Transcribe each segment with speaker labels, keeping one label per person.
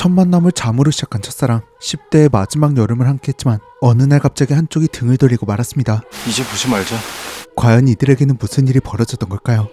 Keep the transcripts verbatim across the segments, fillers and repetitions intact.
Speaker 1: 첫 만남을 잠으로 시작한 첫사랑. 십 대의 마지막 여름을 함께했지만 어느 날 갑자기 한쪽이 등을 돌리고 말았습니다.
Speaker 2: 이제 보지 말자.
Speaker 1: 과연 이들에게는 무슨 일이 벌어졌던 걸까요?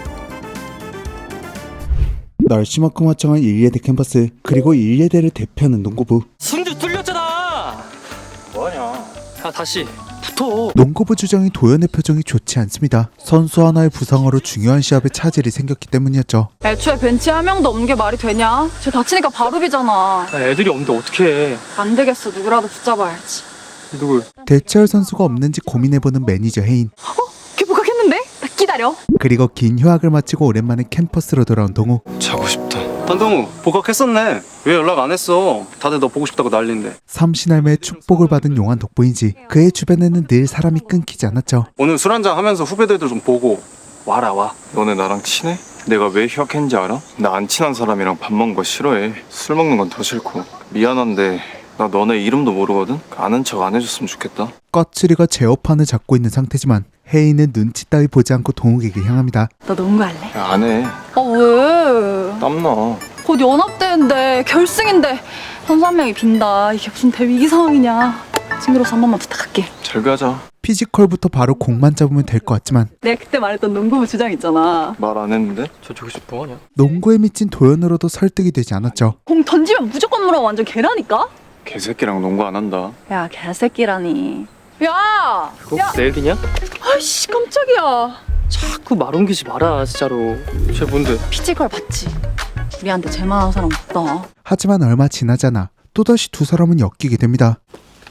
Speaker 1: 날씨만큼 화창한 일예대 캠퍼스, 그리고 일예대를 대표하는 농구부.
Speaker 3: 승주 뚫렸잖아. 뭐하냐? 야 다시 붙어.
Speaker 1: 농구부 주장인 도현의 표정이 좋지 않습니다. 선수 하나의 부상으로 중요한 시합에 차질이 생겼기 때문이었죠.
Speaker 4: 애초에 벤치에 한 명도 없는 게 말이 되냐? 쟤 다치니까 바로 비잖아.
Speaker 3: 야, 애들이 없는데 어떡해.
Speaker 4: 안 되겠어, 누구라도 붙잡아야지.
Speaker 3: 누굴?
Speaker 1: 대체할 선수가 없는지 고민해보는 매니저 혜인.
Speaker 4: 걔 복학했는데? 나 기다려.
Speaker 1: 그리고 긴 휴학을 마치고 오랜만에 캠퍼스로 돌아온 동우.
Speaker 2: 자고 싶다.
Speaker 5: 한동우 복학했었네. 왜 연락 안 했어? 다들 너 보고 싶다고 난린데.
Speaker 1: 삼신할매의 축복을 받은 용한 덕분인지 그의 주변에는 늘 사람이 끊기지 않았죠.
Speaker 5: 오늘 술 한잔 하면서 후배들도 좀 보고 와라 와.
Speaker 2: 너네 나랑 친해? 내가 왜 휴학했는지 알아? 나 안 친한 사람이랑 밥 먹는 거 싫어해. 술 먹는 건 더 싫고. 미안한데 나 너네 이름도 모르거든? 아는 척 안 해줬으면 좋겠다.
Speaker 1: 꺼츠리가 제어판을 잡고 있는 상태지만 혜인은 눈치 따위 보지 않고 동욱에게 향합니다.
Speaker 4: 너 농구할래?
Speaker 2: 야, 안 해.
Speaker 4: 아 왜?
Speaker 2: 땀나.
Speaker 4: 곧 연합대회인데 결승인데 선수 한 명이 빈다. 이게 무슨 대위기 상황이냐. 친구로서 한 번만 부탁할게.
Speaker 2: 잘 가자.
Speaker 1: 피지컬부터 바로 공만 잡으면 될 것 같지만
Speaker 4: 내가 그때 말했던 농구부 주장 있잖아.
Speaker 2: 말 안 했는데?
Speaker 3: 저 저기서 뭐하냐?
Speaker 1: 농구에 미친 도현으로도 설득이 되지 않았죠.
Speaker 4: 공 던지면 무조건 물어. 완전 개라니까?
Speaker 2: 개새끼랑 농구 안 한다.
Speaker 4: 야 개새끼라니. 야!
Speaker 3: 그거
Speaker 4: 야!
Speaker 3: 내 얘기냐?
Speaker 4: 아이씨 깜짝이야.
Speaker 3: 자꾸 말 옮기지 마라 진짜로. 쟤 뭔데?
Speaker 4: 피지컬 봤지? 우리한테 제만한 사람 없다.
Speaker 1: 하지만 얼마 지나지 않아 또다시 두 사람은 엮이게 됩니다.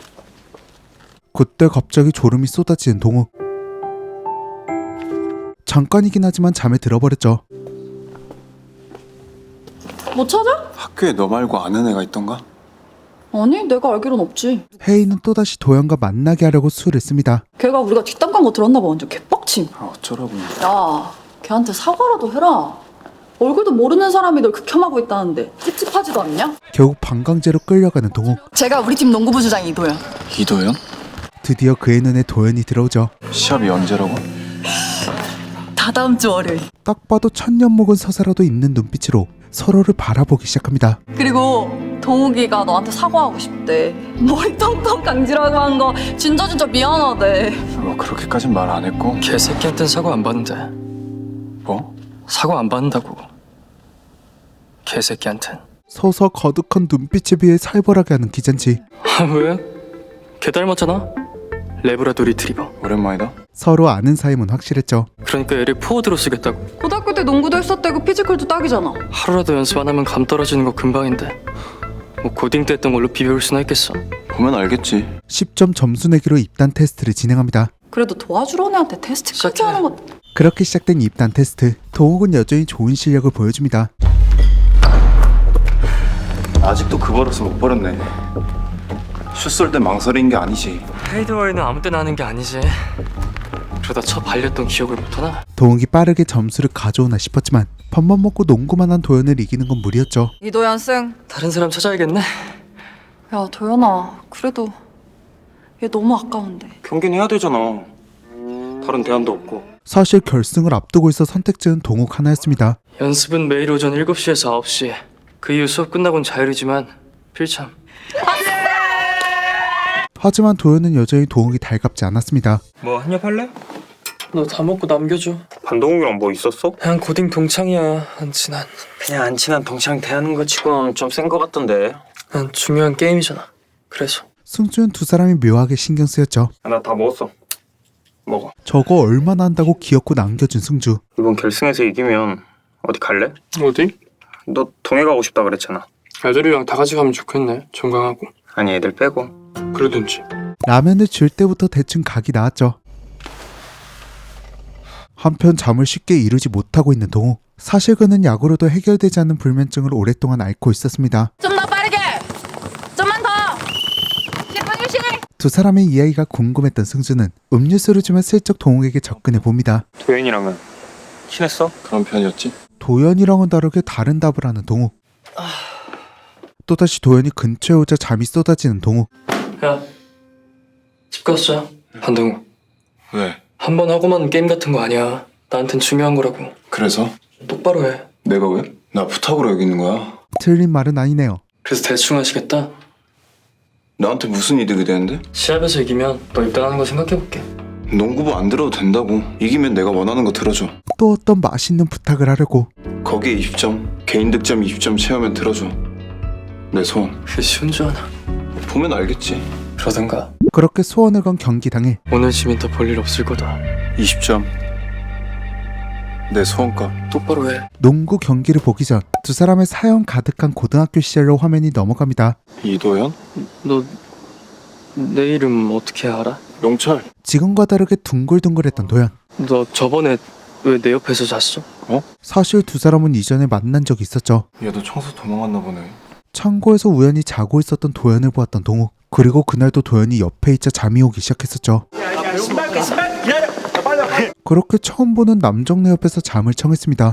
Speaker 1: 그때 갑자기 졸음이 쏟아지는 동욱. 잠깐이긴 하지만 잠에 들어버렸죠.
Speaker 4: 뭐 찾아?
Speaker 2: 학교에 너 말고 아는 애가 있던가?
Speaker 4: 아니 내가 알기론 없지.
Speaker 1: 혜인은 또다시 도현과 만나게 하려고 수를 씁니다.
Speaker 4: 걔가 우리가 뒷담 간 거 들었나 봐. 완전 개빡침.
Speaker 2: 아 어쩌라고.
Speaker 4: 야 걔한테 사과라도 해라. 얼굴도 모르는 사람이 널 극혐하고 있다는데 찝찝하지도 않냐?
Speaker 1: 결국 방광제로 끌려가는 동욱.
Speaker 4: 제가 우리 팀 농구부 주장 이도현.
Speaker 2: 이도현?
Speaker 1: 드디어 그의 눈에 도현이 들어오죠.
Speaker 2: 시합이 언제라고?
Speaker 4: 다 다음 주 월요일.
Speaker 1: 딱 봐도 천년 먹은 서사라도 있는 눈빛으로 서로를 바라보기 시작합니다.
Speaker 4: 그리고 동욱이가 너한테 사과하고 싶대. 머리 텅텅 강지라고 한 거 진짜 진짜 미안하대.
Speaker 2: 뭐 그렇게까진 말 안 했고.
Speaker 3: 개새끼한텐 사과 안 받는데.
Speaker 2: 뭐?
Speaker 3: 사과 안 받는다고. 개새끼한텐.
Speaker 1: 서서 거득한 눈빛에 비해 살벌하게 하는 기잔치.
Speaker 3: 아 왜? 걔 닮았잖아. 레브라도 리트리버.
Speaker 2: 오랜만이다.
Speaker 1: 서로 아는 사이면 확실했죠.
Speaker 3: 그러니까 얘를 포워드로 쓰겠다고.
Speaker 4: 고등학교 때 농구도 했었대고 피지컬도 딱이잖아.
Speaker 3: 하루라도 연습 안 하면 감 떨어지는 거 금방인데. 뭐 고딩 때 했던 걸로 비벼올 수나 있겠어.
Speaker 2: 보면 알겠지.
Speaker 1: 십 점 점수 내기로 입단 테스트를 진행합니다.
Speaker 4: 그래도 도와주러 애한테 테스트까지
Speaker 3: 시작해.
Speaker 4: 하는 것.
Speaker 1: 그렇게 시작된 입단 테스트. 동욱은 여전히 좋은 실력을 보여줍니다.
Speaker 2: 아직도 그 버릇을 못 버렸네. 슛 쏠 때 망설인 게 아니지.
Speaker 3: 페이드웨이는 아무 때나 하는 게 아니지. 그러다 쳐 발렸던 기억을 못하나?
Speaker 1: 동욱이 빠르게 점수를 가져오나 싶었지만 밥만 먹고 농구만 한 도현을 이기는 건 무리였죠.
Speaker 4: 이도현 승.
Speaker 3: 다른 사람 찾아야겠네.
Speaker 4: 야 도현아 그래도 얘 너무 아까운데.
Speaker 5: 경기는 해야 되잖아. 다른 대안도 없고.
Speaker 1: 사실 결승을 앞두고 있어 선택지는 동욱 하나였습니다.
Speaker 3: 연습은 매일 오전 일곱 시에서 아홉 시. 그 이후 수업 끝나곤 자율이지만 필참.
Speaker 1: 하지만 도현은 여전히 동욱이 달갑지 않았습니다.
Speaker 5: 뭐 한입 할래?
Speaker 3: 너 다 먹고 남겨줘.
Speaker 5: 반동욱이랑 뭐 있었어?
Speaker 3: 그냥 고딩 동창이야. 안 친한.
Speaker 5: 그냥 안 친한 동창 대하는 거 치곤 좀 센 거 같던데.
Speaker 3: 난 중요한 게임이잖아. 그래서.
Speaker 1: 승주는 두 사람이 묘하게 신경 쓰였죠.
Speaker 5: 나 다 먹었어. 먹어.
Speaker 1: 저거 얼마나 한다고 귀엽고 남겨준 승주.
Speaker 5: 이번 결승에서 이기면 어디 갈래?
Speaker 3: 어디?
Speaker 5: 너 동해 가고 싶다 그랬잖아.
Speaker 3: 애들이랑 다 같이 가면 좋겠네. 정강하고.
Speaker 5: 아니 애들 빼고.
Speaker 3: 그러든지.
Speaker 1: 라면을 줄 때부터 대충 각이 나왔죠. 한편 잠을 쉽게 이루지 못하고 있는 동욱. 사실 그는 약으로도 해결되지 않는 불면증을 오랫동안 앓고 있었습니다.
Speaker 4: 좀 더 빠르게. 좀만 더. 십 분 휴식.
Speaker 1: 두 사람의 이야기가 궁금했던 승주는 음료수를 주며 슬쩍 동욱에게 접근해 봅니다.
Speaker 5: 도현이랑은 친했어?
Speaker 2: 그런 편이었지?
Speaker 1: 도현이랑은 다르게 다른 답을 하는 동욱. 또다시 도현이 근처에 오자 잠이 쏟아지는 동욱.
Speaker 3: 야, 집 갔어. 한동우.
Speaker 2: 왜?
Speaker 3: 한 번 하고만 게임 같은 거 아니야. 나한텐 중요한 거라고.
Speaker 2: 그래서?
Speaker 3: 똑바로 해.
Speaker 2: 내가 왜? 나 부탁으로 여기 있는 거야?
Speaker 1: 틀린 말은 아니네요.
Speaker 3: 그래서 대충 하시겠다?
Speaker 2: 나한테 무슨 이득이 되는데?
Speaker 3: 시합에서 이기면 너 입단하는 거 생각해볼게.
Speaker 2: 농구부 안 들어도 된다고. 이기면 내가 원하는 거 들어줘.
Speaker 1: 또 어떤 맛있는 부탁을 하려고.
Speaker 2: 거기에 이십 점, 개인 득점 이십 점 채우면 들어줘. 내 소원.
Speaker 3: 그게 쉬운 줄 아나?
Speaker 2: 보면 알겠지.
Speaker 3: 그러든가.
Speaker 1: 그렇게 소원을 건 경기 당일.
Speaker 3: 오늘 지면 더 볼 일 없을 거다.
Speaker 2: 이십 점. 내 소원값.
Speaker 3: 똑바로 해.
Speaker 1: 농구 경기를 보기 전 두 사람의 사연 가득한 고등학교 시절로 화면이 넘어갑니다.
Speaker 2: 이도현?
Speaker 3: 너 내 이름 어떻게 알아?
Speaker 2: 용철.
Speaker 1: 지금과 다르게 둥글둥글했던 도현.
Speaker 3: 너 저번에 왜 내 옆에서 잤어?
Speaker 1: 사실 두 사람은 이전에 만난 적이 있었죠.
Speaker 2: 얘도 청소 도망갔나 보네.
Speaker 1: 창고에서 우연히 자고 있었던 도현을 보았던 동욱. 그리고 그날도 도현이 옆에 있자 잠이 오기 시작했었죠. 그렇게 처음 보는 남정네 옆에서 잠을 청했습니다.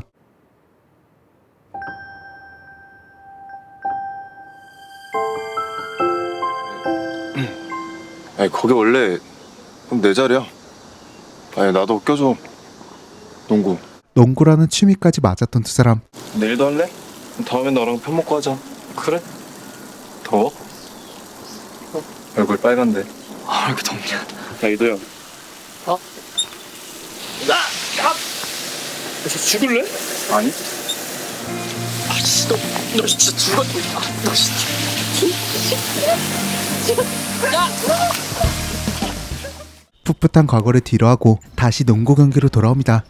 Speaker 2: 아니 거기 원래 내 자리야. 아니 나도 껴줘. 농구.
Speaker 1: 농구라는 취미까지 맞았던 두 사람.
Speaker 2: 내일도 할래? 다음에 너랑 편 먹고 하자.
Speaker 3: 그래?
Speaker 2: 더워? 얼굴 빨간데.
Speaker 3: 아, 왜 이렇게 덥냐?
Speaker 2: 야 이도현.
Speaker 3: 어? 나! 야! 너 죽을래?
Speaker 2: 아니?
Speaker 3: 아, 씨, 너, 너 진짜 죽어. 아, 너 진짜.
Speaker 1: 풋풋한 과거를 뒤로하고 다시 농구 경기로 돌아옵니다.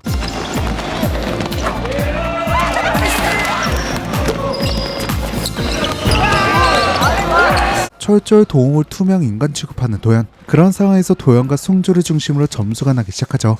Speaker 1: 철저히 도움을 투명 인간 취급하는 도현. 그런 상황에서 도현과 승주를 중심으로 점수가 나기 시작하죠.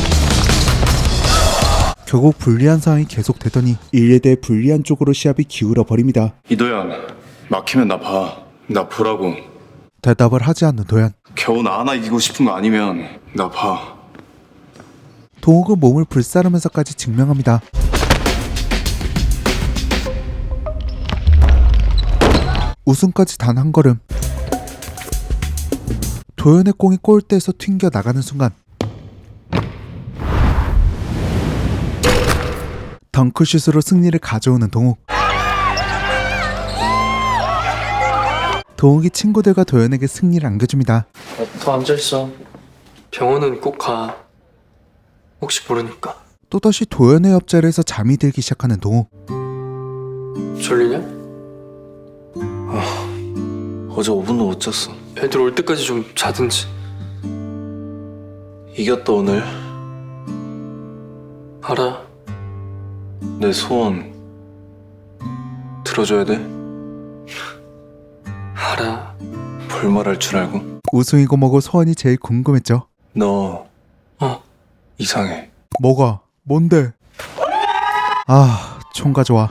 Speaker 1: 결국 불리한 상황이 계속되더니 일 대 불리한 쪽으로 시합이 기울어 버립니다.
Speaker 2: 이도현. 막히면 나 봐. 나 보라고.
Speaker 1: 대답을 하지 않는 도현.
Speaker 2: 겨우 나 하나 이기고 싶은 거 아니면 나 봐.
Speaker 1: 동욱은 몸을 불사르면서까지 증명합니다. 우승까지 단 한 걸음. 도현의 공이 골대에서 튕겨 나가는 순간 덩크슛으로 승리를 가져오는 동욱. 동욱이 친구들과 도현에게 승리를 안겨줍니다.
Speaker 3: 더 앉아있어. 병원은 꼭 가. 혹시 모르니까.
Speaker 1: 또다시 도현의 옆자리에서 잠이 들기 시작하는 동욱.
Speaker 3: 졸리냐?
Speaker 2: 어제 오 분도 못 잤어.
Speaker 3: 애들 올 때까지 좀 자든지.
Speaker 2: 이겼다 오늘.
Speaker 3: 알아.
Speaker 2: 내 소원 들어줘야 돼.
Speaker 3: 알아.
Speaker 2: 볼말할 줄 알고.
Speaker 1: 우승이고 뭐고 소원이 제일 궁금했죠.
Speaker 2: 너
Speaker 3: 어.
Speaker 2: 이상해.
Speaker 1: 뭐가? 뭔데? 아, 총가 좋아.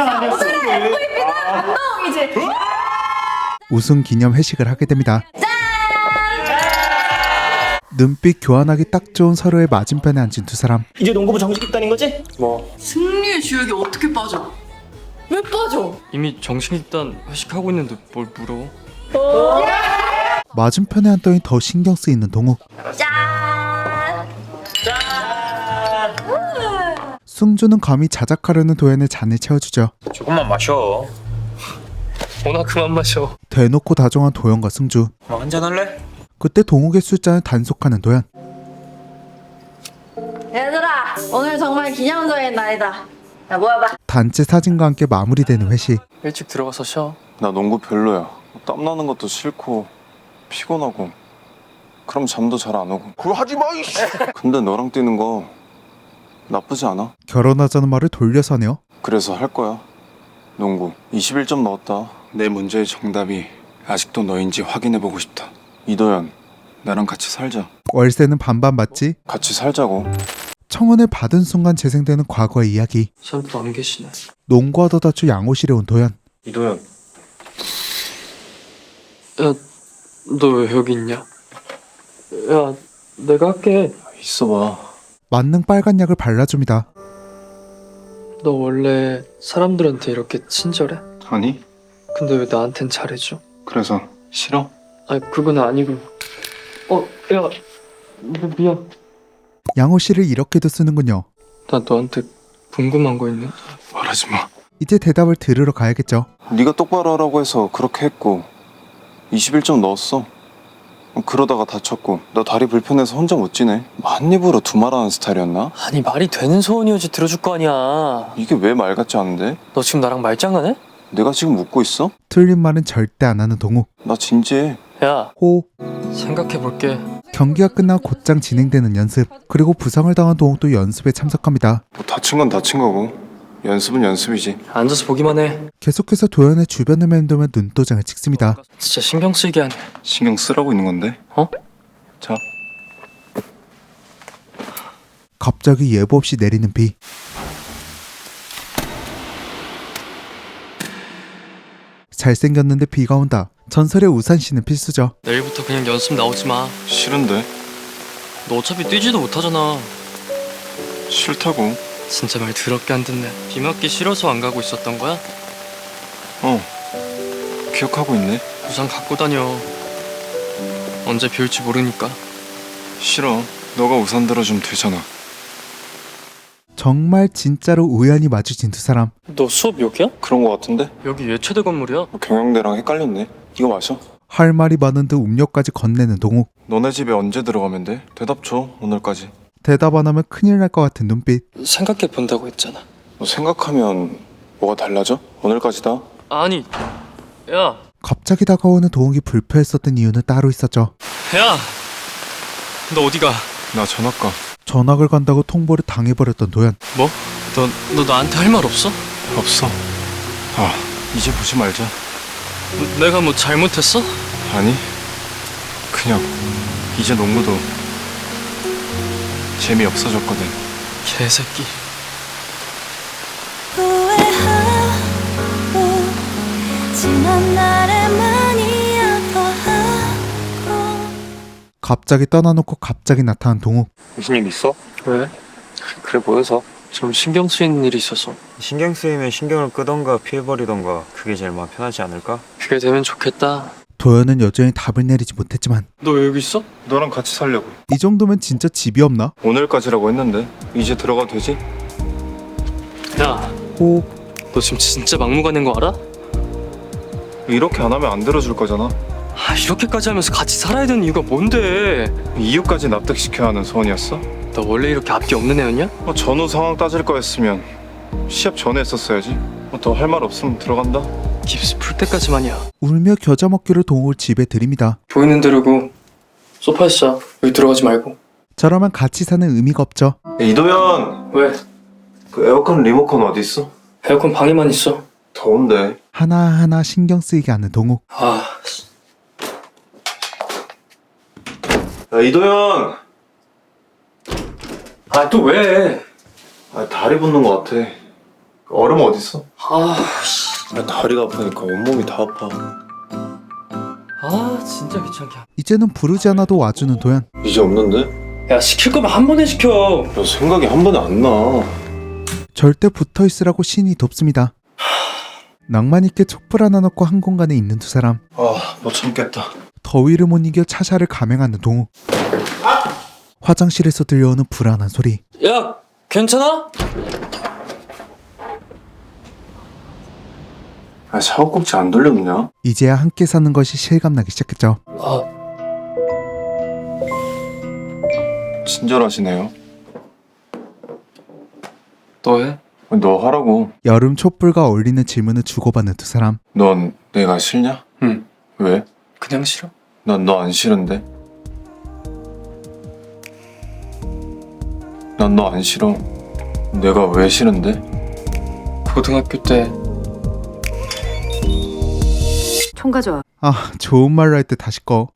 Speaker 1: 우승 기념 회식을 하게 됩니다. 눈빛 교환하기 딱 좋은 서로의 맞은편에 앉은 두 사람.
Speaker 6: 이제 농구부 정식 입단인 거지?
Speaker 3: 뭐
Speaker 4: 승리의 주역이 어떻게 빠져? 왜 빠져?
Speaker 3: 이미 정식 입단 회식하고 있는데 뭘 물어?
Speaker 1: 맞은편에 앉더니 더 신경 쓰이는 동욱. 승주는 감히 자작하려는 도현의 잔을 채워주죠.
Speaker 6: 조금만 마셔.
Speaker 3: 오나 그만 마셔.
Speaker 1: 대놓고 다정한 도현과 승주.
Speaker 6: 뭐 한잔 할래?
Speaker 1: 그때 동욱의 술잔을 단속하는 도현.
Speaker 7: 얘들아, 오늘 정말 기념적인 날이다. 야, 모여봐.
Speaker 1: 단체 사진과 함께 마무리되는 회식.
Speaker 3: 일찍 들어가서 쉬어.
Speaker 2: 나 농구 별로야. 땀 나는 것도 싫고 피곤하고. 그럼 잠도 잘 안 오고. 그거 하지 마. 근데 너랑 뛰는 거 나쁘지 않아.
Speaker 1: 결혼하자는 말을 돌려서 하네요.
Speaker 2: 그래서 할 거야. 농구 이십일 점 넣었다. 내 문제의 정답이 아직도 너인지 확인해보고 싶다. 이도현, 나랑 같이 살자.
Speaker 1: 월세는 반반 맞지?
Speaker 2: 같이 살자고.
Speaker 1: 청혼을 받은 순간 재생되는 과거의 이야기.
Speaker 3: 사람도 안 계시네.
Speaker 1: 농구하다 다쳐 양호실에 온 도현.
Speaker 2: 이도현.
Speaker 3: 야, 너 왜 여기 있냐? 야, 내가 할게.
Speaker 2: 있어봐.
Speaker 1: 만능 빨간 약을 발라줍니다.
Speaker 3: 너 원래 사람들한테 이렇게 친절해?
Speaker 2: 아니?
Speaker 3: 근데 왜 나한텐 잘해줘?
Speaker 2: 그래서 싫어?
Speaker 3: 아니, 그건 아니고. 어, 야, 미- 미안.
Speaker 1: 양호실을 이렇게도 쓰는군요.
Speaker 3: 나 너한테 궁금한 거 있는데.
Speaker 2: 말하지 마.
Speaker 1: 이제 대답을 들으러 가야겠죠.
Speaker 2: 네가 똑바로 하라고 해서 그렇게 했고 이십일 점 넣었어. 그러다가 다쳤고 나 다리 불편해서 혼자 못 지내. 한 입으로 두말하는 스타일이었나?
Speaker 3: 아니 말이 되는 소원이어지 들어줄 거 아니야.
Speaker 2: 이게 왜 말 같지 않은데?
Speaker 3: 너 지금 나랑 말장난해?
Speaker 2: 내가 지금 웃고 있어?
Speaker 1: 틀린 말은 절대 안 하는 동욱.
Speaker 2: 나 진지해.
Speaker 3: 야
Speaker 1: 호.
Speaker 3: 생각해볼게.
Speaker 1: 경기가 끝나 곧장 진행되는 연습. 그리고 부상을 당한 동욱도 연습에 참석합니다.
Speaker 2: 뭐 다친 건 다친 거고 연습은 연습이지.
Speaker 3: 앉아서 보기만 해.
Speaker 1: 계속해서 도현의 주변을 맴돌며 눈도장을 찍습니다.
Speaker 3: 진짜 신경 쓰이게 하네.
Speaker 2: 신경 쓰라고 있는 건데.
Speaker 3: 어?
Speaker 2: 자.
Speaker 1: 갑자기 예보 없이 내리는 비. 잘생겼는데 비가 온다. 전설의 우산씨는 필수죠.
Speaker 3: 내일부터 그냥 연습 나오지 마.
Speaker 2: 싫은데.
Speaker 3: 너 어차피 뛰지도 못하잖아.
Speaker 2: 싫다고.
Speaker 3: 진짜 말 더럽게 안 듣네. 비 맞기 싫어서 안 가고 있었던 거야?
Speaker 2: 어. 기억하고 있네.
Speaker 3: 우산 갖고 다녀. 언제 비 올지 모르니까.
Speaker 2: 싫어. 너가 우산 들어주면 되잖아.
Speaker 1: 정말 진짜로 우연히 마주친 두 사람.
Speaker 3: 너 수업 여기야?
Speaker 2: 그런 거 같은데?
Speaker 3: 여기 예체대 건물이야.
Speaker 2: 경영대랑 헷갈렸네. 이거 마셔.
Speaker 1: 할 말이 많은 듯 음료까지 건네는 동욱.
Speaker 2: 너네 집에 언제 들어가면 돼? 대답 줘. 오늘까지.
Speaker 1: 대답 안 하면 큰일 날 것 같은 눈빛.
Speaker 3: 생각해 본다고 했잖아.
Speaker 2: 너 생각하면 뭐가 달라져? 오늘까지다.
Speaker 3: 아니, 야,
Speaker 1: 갑자기 다가오는 동욱이 불편했었던 이유는 따로 있었죠.
Speaker 3: 야, 너 어디 가?
Speaker 2: 나 전학가.
Speaker 1: 전학을 간다고 통보를 당해버렸던 도현.
Speaker 3: 뭐? 너, 너 나한테 할 말 없어?
Speaker 2: 없어. 아, 이제 보지 말자.
Speaker 3: 내가 뭐 잘못했어?
Speaker 2: 아니, 그냥 이제 농구도 재미없어졌거든.
Speaker 3: 개새끼.
Speaker 8: 후회하고 지난 날에 많이 아파하고
Speaker 1: 갑자기 떠나놓고 갑자기 나타난 동욱.
Speaker 5: 무슨 일 있어?
Speaker 3: 왜?
Speaker 5: 그래 보여서.
Speaker 3: 좀 신경 쓰이는 일이 있어서.
Speaker 9: 신경 쓰이면 신경을 끄던가 피해버리던가 그게 제일 마음 편하지 않을까?
Speaker 3: 그게 되면 좋겠다.
Speaker 1: 도현은 여전히 답을 내리지 못했지만
Speaker 3: 너 왜 여기 있어?
Speaker 2: 너랑 같이 살려고.
Speaker 1: 이 정도면 진짜 집이 없나?
Speaker 2: 오늘까지라고 했는데 이제 들어가도 되지?
Speaker 3: 야,
Speaker 1: 호.
Speaker 3: 너 지금 진짜 막무가내인 거 알아?
Speaker 2: 이렇게 안 하면 안 들어줄 거잖아.
Speaker 3: 아, 이렇게까지 하면서 같이 살아야 되는 이유가 뭔데?
Speaker 2: 이유까지 납득시켜야 하는 소원이었어?
Speaker 3: 너 원래 이렇게 앞뒤 없는 애였냐?
Speaker 2: 뭐 전후 상황 따질 거였으면 시합 전에 했었어야지. 뭐 더 할 말 없으면 들어간다.
Speaker 3: 깁스 풀 때까지만이야.
Speaker 1: 울며 겨자 먹기로 동욱을 집에 들입니다.
Speaker 3: 보이는 대로고 소파에서 자. 여기 들어가지 말고.
Speaker 1: 저라면 같이 사는 의미가 없죠.
Speaker 2: 이도현!
Speaker 3: 왜?
Speaker 2: 그 에어컨 리모컨 어디 있어?
Speaker 3: 에어컨 방에만 있어.
Speaker 2: 더운데.
Speaker 1: 하나하나 신경 쓰이게 하는 동욱.
Speaker 3: 아,
Speaker 2: 야, 이도현!
Speaker 3: 아 또 왜?
Speaker 2: 아, 다리 붓는 거 같아. 얼음 어디 있어?
Speaker 3: 아,
Speaker 2: 아, 다리가 아프니까 온몸이 다 아파.
Speaker 3: 아 진짜 귀찮게.
Speaker 1: 이제는 부르지 않아도 와주는 도현.
Speaker 2: 이제 없는데?
Speaker 3: 야, 시킬 거면 한 번에 시켜.
Speaker 2: 야, 생각이 한 번에 안 나.
Speaker 1: 절대 붙어있으라고 신이 돕습니다. 낭만 있게 촛불 하나 넣고 한 공간에 있는 두 사람.
Speaker 2: 아, 못 참겠다.
Speaker 1: 더위를 못 이겨 차샤를 감행하는 동욱. 화장실에서 들려오는 불안한 소리.
Speaker 3: 야, 괜찮아?
Speaker 2: 아, 샤워꼭지 안 돌려놓냐?
Speaker 1: 이제야 함께 사는 것이 실감나기 시작했죠.
Speaker 3: 아,
Speaker 2: 친절하시네요.
Speaker 3: 너 해?
Speaker 2: 너 하라고.
Speaker 1: 여름 촛불과 어울리는 질문을 주고받는 두 사람.
Speaker 2: 넌 내가 싫냐?
Speaker 3: 응.
Speaker 2: 왜?
Speaker 3: 그냥 싫어.
Speaker 2: 난 너 안 싫은데. 난 너 안 싫어. 내가 왜 싫은데?
Speaker 3: 고등학교 때
Speaker 7: 총 가져와.
Speaker 1: 아, 좋은 말로 할 때 다시 꺼.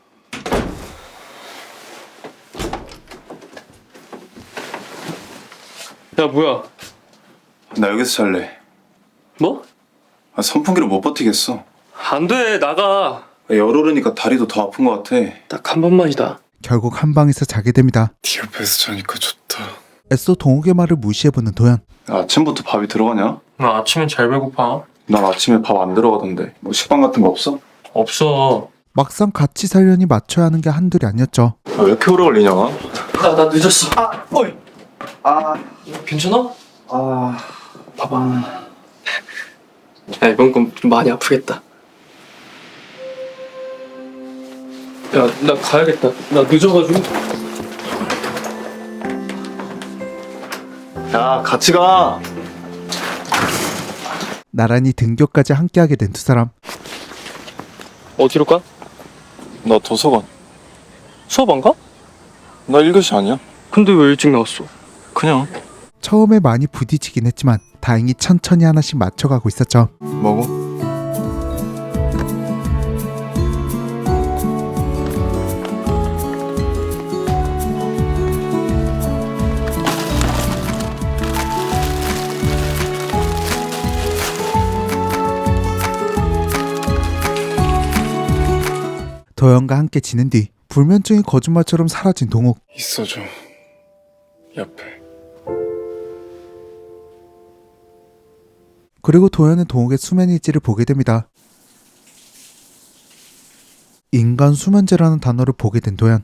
Speaker 3: 야, 뭐야?
Speaker 2: 나 여기서 잘래.
Speaker 3: 뭐?
Speaker 2: 아, 선풍기로 못 버티겠어.
Speaker 3: 안 돼, 나가.
Speaker 2: 열 오르니까 다리도 더 아픈 것 같아.
Speaker 3: 딱 한 번만이다.
Speaker 1: 결국 한 방에서 자게 됩니다.
Speaker 2: 네 옆에서 자니까 좋다.
Speaker 1: 애써 동욱의 말을 무시해보는 도현.
Speaker 2: 아침부터 밥이 들어가냐?
Speaker 3: 나 아침엔 잘 배고파.
Speaker 2: 난 아침에 밥 안 들어가던데. 뭐 식빵 같은 거 없어?
Speaker 3: 없어.
Speaker 1: 막상 같이 살려니 맞춰야 하는 게 한둘이 아니었죠.
Speaker 2: 아, 왜 이렇게 오래 걸리냐?
Speaker 3: 나, 나 늦었어. 아, 어이. 아, 괜찮아?
Speaker 2: 아,
Speaker 3: 봐봐. 야, 이번 건 좀 많이 아프겠다. 야, 나 가야겠다. 나 늦어가지고.
Speaker 2: 야, 같이 가.
Speaker 1: 나란히 등교까지 함께하게 된 두 사람.
Speaker 3: 어디로 가?
Speaker 2: 나 도서관.
Speaker 3: 수업 안 가?
Speaker 2: 나 일 교시 아니야?
Speaker 3: 근데 왜 일찍 나왔어?
Speaker 2: 그냥.
Speaker 1: 처음에 많이 부딪히긴 했지만 다행히 천천히 하나씩 맞춰가고 있었죠.
Speaker 2: 먹어.
Speaker 1: 도연과 함께 지낸 뒤 불면증이 거짓말처럼 사라진 동욱.
Speaker 2: 있어줘. 옆에.
Speaker 1: 그리고 도연은 동욱의 수면 일지를 보게 됩니다. 인간 수면제라는 단어를 보게 된 도연.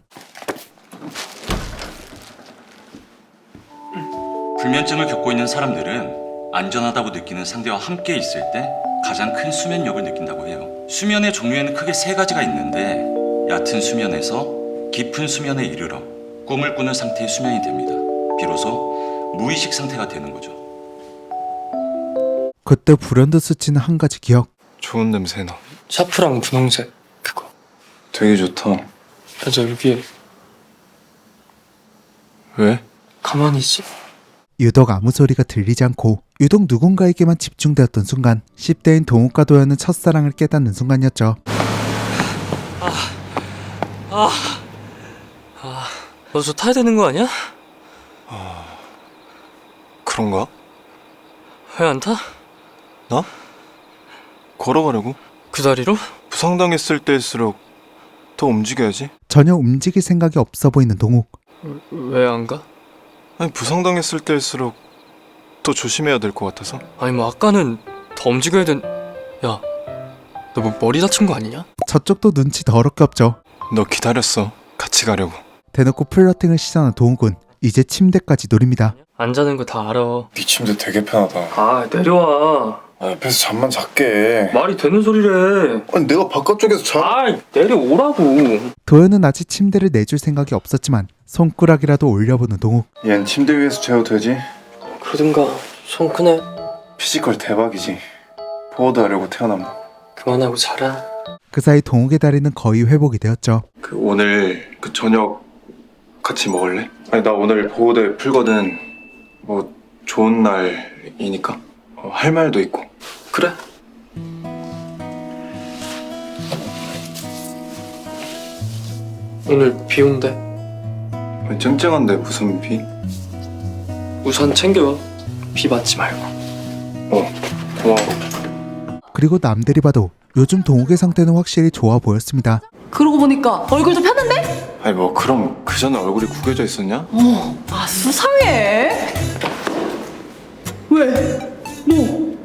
Speaker 10: 불면증을 겪고 있는 사람들은 안전하다고 느끼는 상대와 함께 있을 때 가장 큰 수면력을 느낀다고 해요. 수면의 종류에는 크게 세 가지가 있는데 얕은 수면에서 깊은 수면에 이르러 꿈을 꾸는 상태의 수면이 됩니다. 비로소 무의식 상태가 되는 거죠.
Speaker 1: 그때 불현듯 스치는 한 가지 기억.
Speaker 2: 좋은 냄새 나.
Speaker 3: 샤프랑 분홍색 그거.
Speaker 2: 되게 좋다.
Speaker 3: 맞아, 여기
Speaker 2: 왜?
Speaker 3: 가만히 있어.
Speaker 1: 유독 아무 소리가 들리지 않고 유독 누군가에게만 집중되었던 순간, 십 대인 동욱과 도연은 첫사랑을 깨닫는 순간이었죠.
Speaker 3: 너 저 타야 되는 거 아니야?
Speaker 2: 그런가?
Speaker 3: 왜 안 타?
Speaker 2: 나? 걸어가려고.
Speaker 3: 그 다리로?
Speaker 2: 부상당했을 때일수록 더 움직여야지.
Speaker 1: 전혀 움직일 생각이 없어 보이는 동욱.
Speaker 3: 왜 안 가?
Speaker 2: 아니, 부상당했을 때일수록 더 조심해야 될 것 같아서.
Speaker 3: 아니 뭐 아까는 더 움직여야 된... 야, 너 뭐 머리 다친 거 아니냐?
Speaker 1: 저쪽도 눈치 더럽게 없죠.
Speaker 2: 너 기다렸어. 같이 가려고.
Speaker 1: 대놓고 플러팅을 시전한 동욱은 이제 침대까지 노립니다.
Speaker 3: 안 자는 거 다 알아.
Speaker 2: 네 침대 되게 편하다.
Speaker 3: 아, 내려와.
Speaker 2: 아, 옆에서 잠만 잤게.
Speaker 3: 말이 되는 소리래.
Speaker 2: 아니, 내가 바깥쪽에서 자.
Speaker 3: 아, 내려오라고.
Speaker 1: 도연은 아직 침대를 내줄 생각이 없었지만 손가락이라도 올려보는 동욱.
Speaker 2: 얜 침대 위에서 재워도 되지?
Speaker 3: 그러든가. 손 크네.
Speaker 2: 피지컬 대박이지. 보호도 하려고 태어난 거.
Speaker 3: 그만하고 자라.
Speaker 1: 그 사이 동욱의 다리는 거의 회복이 되었죠.
Speaker 2: 그 오늘 그 저녁 같이 먹을래? 아니, 나 오늘 보호대 풀거든. 뭐 좋은 날이니까. 어, 할 말도 있고.
Speaker 3: 그래. 오늘 비 온대.
Speaker 2: 아니, 쨍쨍한데 무슨 비?
Speaker 3: 우산 챙겨와. 비 맞지 말고.
Speaker 2: 어, 고마워.
Speaker 1: 그리고 남들이 봐도 요즘 동욱의 상태는 확실히 좋아 보였습니다.
Speaker 4: 그러고 보니까 얼굴도 폈는데?
Speaker 2: 아니, 뭐 그럼 그 전에 얼굴이 구겨져 있었냐?
Speaker 4: 어, 아 수상해. 왜? 뭐?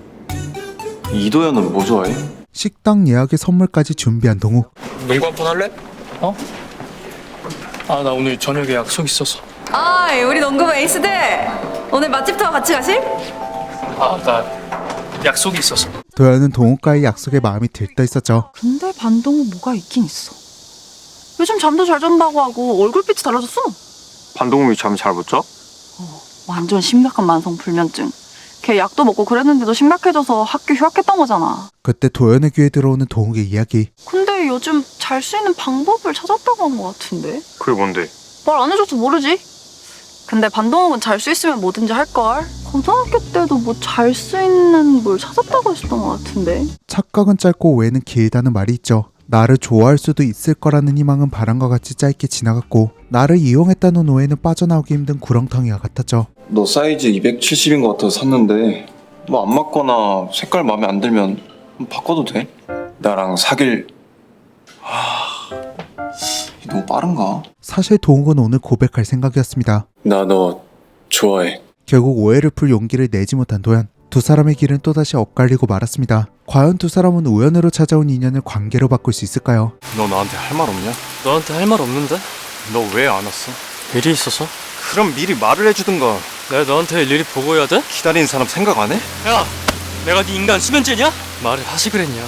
Speaker 2: 이도현은 뭐 좋아해?
Speaker 1: 식당 예약에 선물까지 준비한 동욱.
Speaker 3: 농구 한 판 할래? 어? 아, 나 오늘 저녁에 약속 있어서.
Speaker 7: 아, 우리 농구부 에이스들 오늘 맛집 투어 같이 가실?
Speaker 3: 아, 나 약속이 있어서.
Speaker 1: 도연은 동욱과의 약속에 마음이 들떠 있었죠.
Speaker 4: 근데 반동은 뭐가 있긴 있어. 요즘 잠도 잘 잔다고 하고 얼굴빛이 달라졌어.
Speaker 5: 반동욱이 잠 잘 못 자?
Speaker 4: 완전 심각한 만성 불면증. 걔 약도 먹고 그랬는데도 심각해져서 학교 휴학했던 거잖아.
Speaker 1: 그때 도연의 귀에 들어오는 동욱의 이야기.
Speaker 4: 근데 요즘 잘 수 있는 방법을 찾았다고 한 것 같은데?
Speaker 5: 그게 뭔데?
Speaker 4: 말 안 해줘서 모르지. 근데 반동욱은 잘 수 있으면 뭐든지 할걸. 고등학교 때도 뭐 잘 수 있는 뭘 찾았다고 했었던 것 같은데.
Speaker 1: 착각은 짧고 오해는 길다는 말이 있죠. 나를 좋아할 수도 있을 거라는 희망은 바람과 같이 짧게 지나갔고, 나를 이용했다는 오해는 빠져나오기 힘든 구렁텅이와 같았죠.
Speaker 2: 너 사이즈 이백칠십인 것 같아서 샀는데 뭐 안 맞거나 색깔 마음에 안 들면 바꿔도 돼? 나랑 사귈... 하... 너무 빠른가?
Speaker 1: 사실 동욱은 오늘 고백할 생각이었습니다.
Speaker 2: 나 너 좋아해.
Speaker 1: 결국 오해를 풀 용기를 내지 못한 도연. 두 사람의 길은 또다시 엇갈리고 말았습니다. 과연 두 사람은 우연으로 찾아온 인연을 관계로 바꿀 수 있을까요?
Speaker 2: 너 나한테 할 말 없냐?
Speaker 3: 너한테 할 말 없는데?
Speaker 2: 너 왜 안 왔어?
Speaker 3: 일이 있어서?
Speaker 2: 그럼 미리 말을 해주든가.
Speaker 3: 내가 너한테 일일이 보고해야 돼?
Speaker 2: 기다리는 사람 생각 안 해?
Speaker 3: 야! 내가 네 인간 수면제냐? 말을 하지 그랬냐?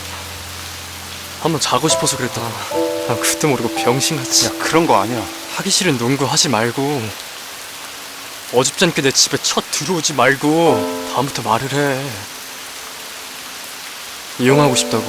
Speaker 3: 한번 자고 싶어서 그랬다. 난 그때 모르고 병신같이.
Speaker 5: 야, 그런 거 아니야.
Speaker 3: 하기 싫은 농구 하지 말고 어줍지 않게 내 집에 첫 들어오지 말고 다음부터 말을 해. 이용하고 싶다고.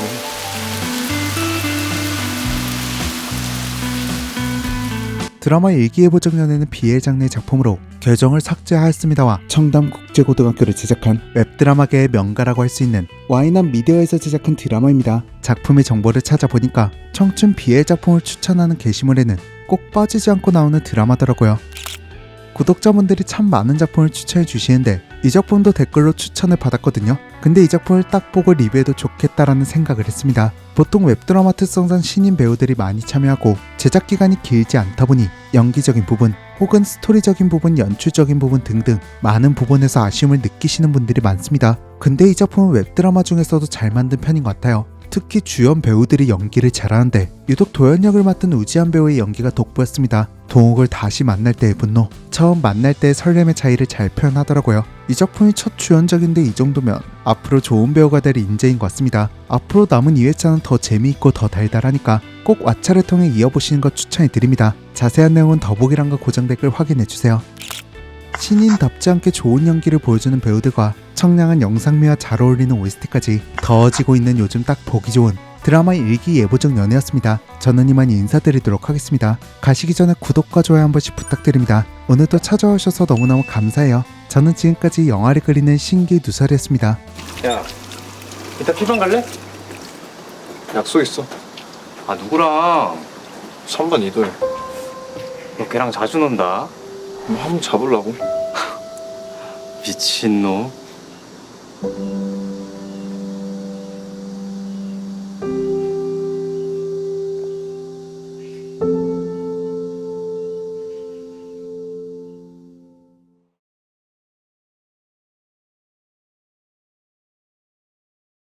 Speaker 1: 드라마 일기예보정연에는 비엘 장르의 작품으로 계정을 삭제하였습니다와 청담국제고등학교를 제작한 웹드라마계의 명가라고 할 수 있는 와이남 미디어에서 제작한 드라마입니다. 작품의 정보를 찾아보니까 청춘 비엘 작품을 추천하는 게시물에는 꼭 빠지지 않고 나오는 드라마더라고요. 구독자분들이 참 많은 작품을 추천해 주시는데 이 작품도 댓글로 추천을 받았거든요. 근데 이 작품을 딱 보고 리뷰해도 좋겠다라는 생각을 했습니다. 보통 웹드라마 특성상 신인 배우들이 많이 참여하고 제작 기간이 길지 않다 보니 연기적인 부분 혹은 스토리적인 부분, 연출적인 부분 등등 많은 부분에서 아쉬움을 느끼시는 분들이 많습니다. 근데 이 작품은 웹드라마 중에서도 잘 만든 편인 것 같아요. 특히 주연 배우들이 연기를 잘하는데 유독 도연 역을 맡은 우지한 배우의 연기가 돋보였습니다. 동욱을 다시 만날 때의 분노, 처음 만날 때의 설렘의 차이를 잘 표현하더라고요. 이 작품이 첫 주연작인데 이 정도면 앞으로 좋은 배우가 될 인재인 것 같습니다. 앞으로 남은 이 회차는 더 재미있고 더 달달하니까 꼭 왓챠를 통해 이어보시는 것 추천해드립니다. 자세한 내용은 더보기란과 고정 댓글 확인해주세요. 신인답지 않게 좋은 연기를 보여주는 배우들과 청량한 영상미와 잘 어울리는 오에스티까지 더워지고 있는 요즘 딱 보기 좋은 드라마 일기예보적 연애였습니다. 저는 이만 인사드리도록 하겠습니다. 가시기 전에 구독과 좋아요 한 번씩 부탁드립니다. 오늘도 찾아오셔서 너무너무 감사해요. 저는 지금까지 영화를 그리는 신기 누설이었습니다.
Speaker 5: 야, 이따 피방 갈래?
Speaker 2: 약속 있어.
Speaker 5: 아, 누구랑?
Speaker 2: 삼 번 이도해.
Speaker 5: 너 걔랑 자주 논다.
Speaker 2: 한번 잡으려고.
Speaker 5: 미친놈.